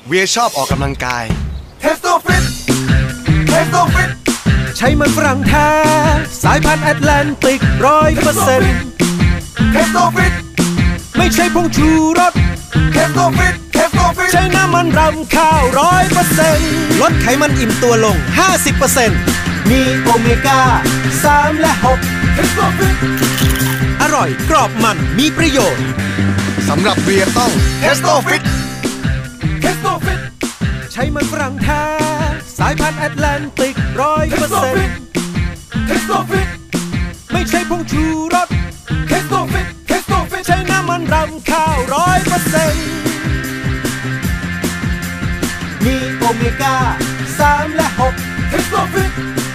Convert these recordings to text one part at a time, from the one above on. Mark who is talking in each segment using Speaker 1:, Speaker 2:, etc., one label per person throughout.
Speaker 1: เวียชอบออกกำลังกาย
Speaker 2: เทสโตฟิต
Speaker 3: ใช้มันฝรั่งแท้สายพันธุ์แอตแลนติก100%
Speaker 2: เทสโตฟิต
Speaker 3: ไม่ใช่ผงชูรส
Speaker 2: เทสโตฟิต
Speaker 3: ใช้น้ำมันรำข้าว100%ลดไขมันอิ่มตัวลง 50% มีโอเมก้า3และ6
Speaker 2: เทสโตฟิต
Speaker 3: อร่อยกรอบมันมีประโยชน์
Speaker 1: สำหรับเวียต้อง
Speaker 2: เทสโตฟิต
Speaker 3: ใช้มันฝรั่งแท้สายพันธุ์แอตแลนติก100%
Speaker 2: เทสโตฟิต
Speaker 3: ไม่ใช่ผงชูรส
Speaker 2: เทสโตฟิต
Speaker 3: ใช้น้ำมันรำข้าว100%มีโอเมก้า3และ6
Speaker 2: เทสโตฟิต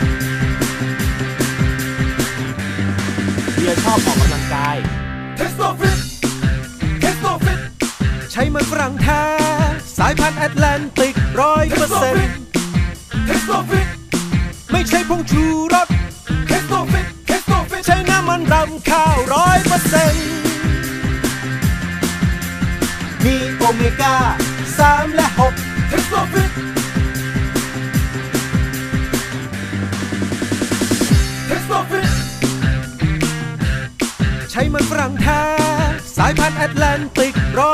Speaker 3: เบียร์ชอบออกกำลังกาย
Speaker 2: เทสโตฟิต
Speaker 3: ใช้มันฝรั่งแท้สายพันธุ์แอตแลนติก100%
Speaker 2: เทสโตฟิต
Speaker 3: ไม่ใช่ผงชูรส
Speaker 2: เทสโตฟิต
Speaker 3: ใช้น้ำมันรำข้าว100%มีโอเมก้า3และ6
Speaker 2: เทสโตฟิต
Speaker 3: ใช้มันฝรั่งแท้สายพันธุ์แอตแลนติก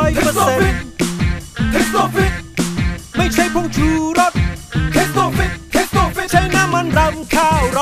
Speaker 3: 100%
Speaker 2: เทสโตฟิต
Speaker 3: ไม่ใช่ผงชูรส
Speaker 2: เทสโตฟิต
Speaker 3: ใช้น้ำมันรำข้าว